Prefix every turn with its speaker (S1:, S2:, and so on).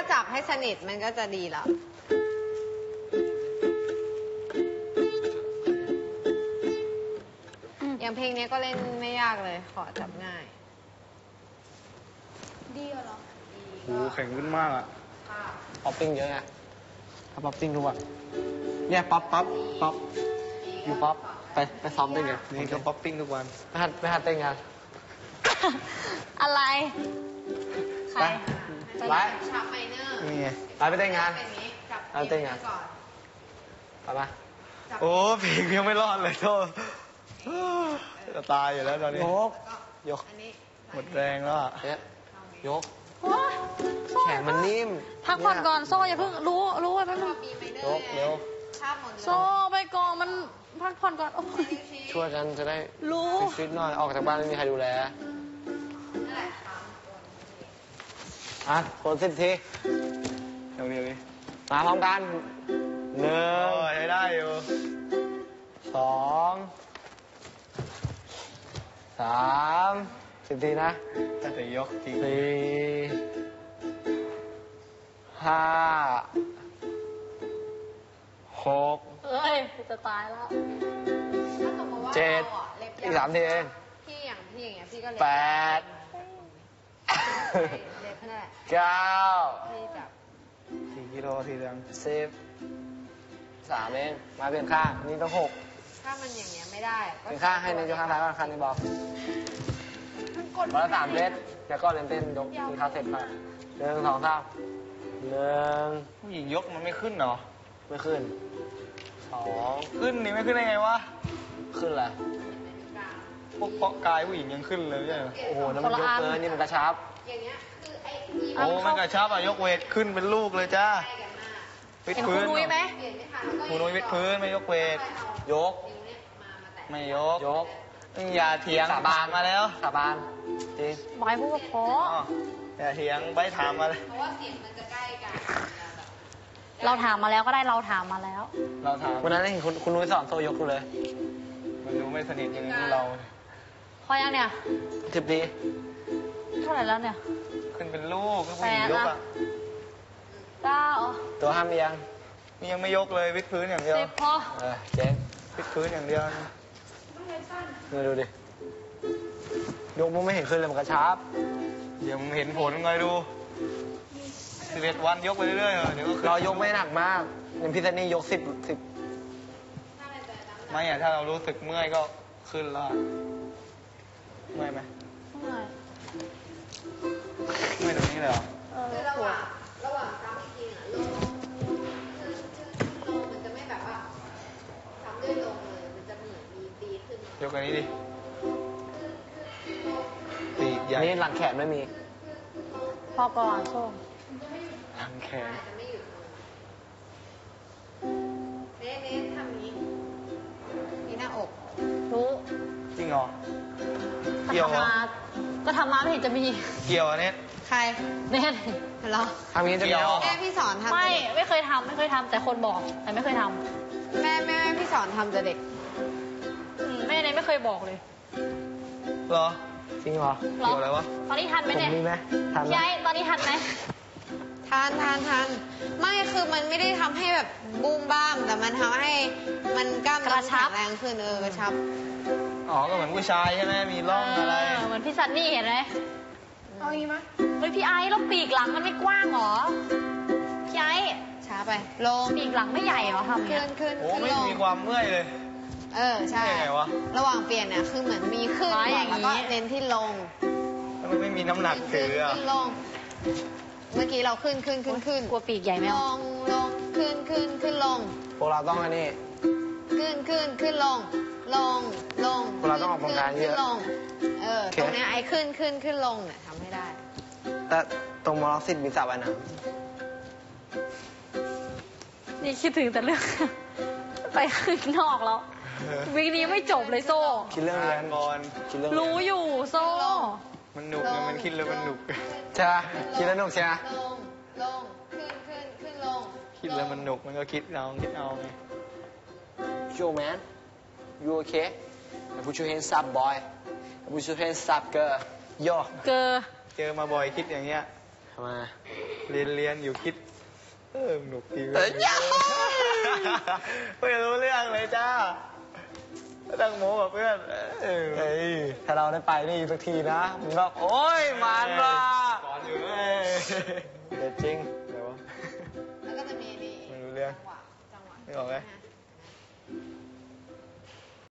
S1: จับให้สนิทมันก็จะดีแล้วอย่างเพลงนี้ก็เล่นไม่ยากเลยขอจับง่ายดีเหรอ
S2: โอ้แข็งขึ้นมากอ่ะ
S3: ป๊อปปิ้งเยอะไงถ้าป๊อปปิ้งทุกวันเนี่ยป๊อปอยู่ป๊อปไปซ้อมเต้นกัน
S2: นี่ก็ป๊อปปิ้งทุกวัน
S3: ไม่หัดเต้นกัน
S1: อะไรใคร
S3: ไป
S1: ชาร์ปไมเนอร์
S2: นี่ไง
S3: ไปเต้นงาน
S1: จับเต้นงานก่อน
S3: ไปปะ
S2: โอ้เพลงยังไม่รอดเลยโทษจะตายอยู่แล้วตอนนี้ยกหมดแรงแล้วอ่ะ
S3: ยกแขนมันนิ่ม
S4: พักผ่อนก่อนโซ่อย่าเพิ่งรู้ไว้แป๊บนึง
S3: ยกเร็ว
S4: โซ่ไปก่อนมันพักผ่อนก่อนโอ้ย
S3: ช่วยกันจะได้
S4: รู้
S3: ฟิตหน่อยออกจากบ้านไม่มีใครดูแลคน10 ที
S2: เดี๋ยวดิ
S3: มาพร้อมกัน1
S2: ได้อยู่
S3: 2 3 10 ทีนะ
S2: แต่ยกจริง
S3: 4 5 6
S4: เอ้ยจะตายแล้ว
S3: 7อีก3 ทีเอง
S1: พี่อย่างเงี้ยพี่ก็เล็บ
S3: 8
S1: เล็บนั่นแหละ
S3: 9
S1: พี่จับ
S2: 4 กิโลทีเดียว
S3: 10 3 เองมาเปลี่ยนข้างนี่ต้อง6
S1: ถ้ามันอย่างเงี้ยไม่ได้
S3: เปลี่ยนข้างให้ในยกข้างซ้ายข้างนี้บอกวันละ3 เซตแล้วก็เล่นเต้นยกกินข้าวเสร็จมา1 2 3 1
S2: ผู้หญิงยกมันไม่ขึ้นเหรอ
S3: ไม่ขึ้น2
S2: ขึ้นนี่ไม่ขึ้นได้ไงวะ
S3: ขึ้นแหละ
S2: พวกเพาะกายผู้หญิงยังขึ้นเลยใช่ไหม
S3: โอ้โหนั่นมันยกเกินนี่มันกระชับ
S1: อย่างเงี้ยคือไอ้
S2: โอ้มันกระชับอ่ะยกเวทขึ้นเป็นลูกเลยจ้าวิดพื้น
S4: ไหม
S2: คุณนุ้ยวิดพื้นไม่ยกเวท
S3: ยก
S2: ไม่ยกอย่าเถียงสาบานมาแล้ว
S3: สาบานจริง
S4: บอยพูดว่าพอ
S2: อย่าเถียงใบถามมาเลย
S1: เพราะว่าเสียงมันจะใกล้กัน
S4: เราถามมาแล้วก็ได้เราถามมาแล้ว
S2: เราถาม
S3: วันนั้นเห็นคุณนุ้ยสอนโซยกดูเลย
S2: มันดูไม่สนิทอย่างนี้เรา
S4: พอยังเนี่ย
S3: 10 ที
S4: เท่าไหร่แล้วเนี่ย
S2: ขึ้นเป็นลูกก็ผู้หญิงยกอ่ะ
S4: 9
S3: ตัวห้ามยัง
S2: นี่ยังไม่ยกเลยวิดพื้นอย่างเดียว
S4: 10 พอ
S3: เจ๊ง
S2: วิดพื้นอย่างเดียว
S3: นี่ดูดิยกมึงไม่เห็นขึ้นเลยมันกระชับ
S2: เดี๋ยวมึงเห็นผลไงดู11 วันยกไปเรื่อยๆเดี๋ยวก็
S3: เรายกไม่หนักมากอย่างพี่ซันนี่ยก10
S2: ไม่อะถ้าเรารู้สึกเมื่อยก็ขึ้นแล้วเมื่อยไหมเมื่อยตรงนี้เลยเหรอ
S1: คือระหว่างซ้ำอีกทีอ่ะลงมันจะไม่แบบว่าซ้ำด้วยลงเลยมันจะเหมือนมีปีขึ้น
S2: ยกอันนี้ดิปีกใหญ่
S3: นี่หลังแขนไม่มี
S4: พอก่อนโซ่
S2: หลังแขน
S1: เน้นทำนี้มีหน้าอก
S4: รู้
S2: จริงเหรอเกี่ยวเหรอ
S4: ก็ทำมาไม่เห็นจะมี
S2: เกี่ยวอันนี้
S1: ใคร
S4: เน่น
S1: เหรอ
S3: ทำนี้จะเกี่ยว
S1: แม่พี่สอนทำ
S4: ไม่เคยทำแต่คนบอกแต่ไม่เคยท
S1: ำแม่พี่สอนทำแต่เด็ก
S4: แม่เนี่ยไม่เคยบอกเลย
S2: เหรอ
S3: จริงเหรอ
S2: เกี่ยวอะไรวะ
S4: ตอนนี้ทันไหมเนี่ย
S3: มีไหมทัน
S4: ใช่ตอนนี้ทันไหม
S1: ทันไม่คือมันไม่ได้ทำให้แบบบูมบ้ามแต่มันทำให้มันกล้ามเนื้อแข็งแรงขึ้นกระชับ
S2: อ๋อก็เหมือนผู้ชายใช่ไหมมีร่องอะไร
S4: เหมือนพี่ซันนี่เห็นไหมเอาอย่างนี้ไหมเฮ้ยพี่ไอ้แล้วปีกหลังมันไม่กว้างหรอพี่ไอ้
S1: ช้าไปลง
S4: ปีกหลังไม่ใหญ่หรอทำ
S1: ขึ้น
S2: โอ้ไม่มีความเมื่อยเลย
S1: ใช่
S2: ไงวะ
S1: ระหว่างเปลี่ยนเนี่ยคือเหมือนมีขึ้นแล้วก็เน้นที่ลง
S2: แล้วมันไม่มีน้ำหนักถือ
S1: ขึ้นลงเมื่อกี้เราขึ้น
S4: กลัวปีกใหญ่ไหม
S1: ลงขึ้นลง
S3: พวกเราต้องอันนี้
S1: ขึ้นลง
S3: พวกเราต้องออกกำลังกายเยอะ
S1: ตรงนี้ไอ้ขึ้นลงเนี่ยทำให้ได้
S3: แต่ตรงมอลล์10 มีสระว่ายน้
S4: ำนี่คิดถึงแต่เรื่องไปข้างนอกแล้ววีคนี้ไม่จบเลยโซ่
S3: คิดเรื่องเรียน
S2: ก่อน
S4: รู้อยู่โซ่
S2: มันหนุกไงมันคิดแล้วมันหนุก
S3: ใช่ไหมคิดแล้วหนุกใช่ไหม
S1: ลงขึ้นลง
S2: คิดแล้วมันหนุกมันก็คิดเอาไง
S3: Yo man you okay I put your hands up boy I put your hands up girl yo
S4: เจอ
S2: มาบ่อยคิดอย่างเงี้ย
S3: ทำไม
S2: เรียนอยู่คิดหนุกดี
S3: เอ้ยยา
S2: ไม่รู้เรื่องเลยจ้าตั้งโมกับเพื่อนเฮ้ย
S3: ถ้าเราได้ไปนี่สักทีนะมึงก็โอ๊ยมันว่ะ
S2: สอนอยู่
S3: เด็ดจริง
S2: เดี๋ยววะ
S1: แล้วก็จะมีนี่
S2: ไม่รู้เรื่อง
S1: จังหวะ
S2: ไม่ออกไหม
S1: นะ